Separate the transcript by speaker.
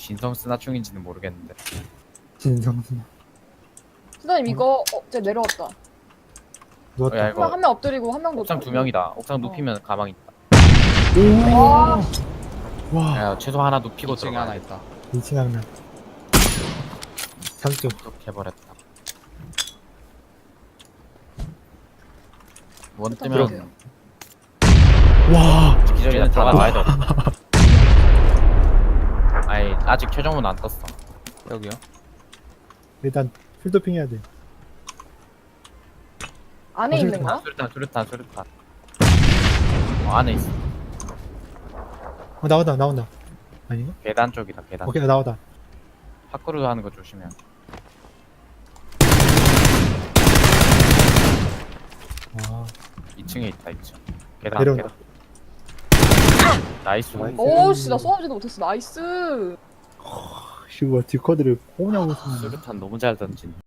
Speaker 1: 진성 스나충인지는 모르겠는데.
Speaker 2: 진성순.
Speaker 3: 수다님 이거 쟤 내려왔다.
Speaker 2: 누웠다.
Speaker 1: 야, 이거
Speaker 3: 한 명 엎드리고 한 명
Speaker 1: 옥상
Speaker 3: 놓고.
Speaker 1: 2명이다. 옥상 눕히면 가망 있다.
Speaker 3: 와,
Speaker 2: 와.
Speaker 1: 야, 최소 하나 눕히고
Speaker 4: 2층에
Speaker 1: 들어가.
Speaker 4: 하나 있다.
Speaker 2: 2층 하나. 3쪽.
Speaker 1: 이렇게 해버렸다. 원 뜨면
Speaker 2: 와.
Speaker 1: 기절이는 들어가봐야 돼. 아이, 아직 최종문 안 떴어.
Speaker 4: 여기요?
Speaker 2: 일단 풀도핑 해야 돼.
Speaker 3: 안에 있는 거야?
Speaker 1: 수류탄. 안에 있어.
Speaker 2: 나온다. 아닌가?
Speaker 1: 계단 쪽이다, 계단.
Speaker 2: 오케이, 나오다.
Speaker 1: 파크로 하는 거 조심해.
Speaker 2: 와.
Speaker 1: 2층에 있다, 2층. 계단,
Speaker 2: 내려온다.
Speaker 1: 계단. 나이스.
Speaker 2: 나이스.
Speaker 3: 오씨 나 쏘아지도 못했어. 나이스.
Speaker 2: 씨, 뭐야, 뒷커드를 꼬냐고 쓰는
Speaker 1: 수류탄 너무 잘 던진.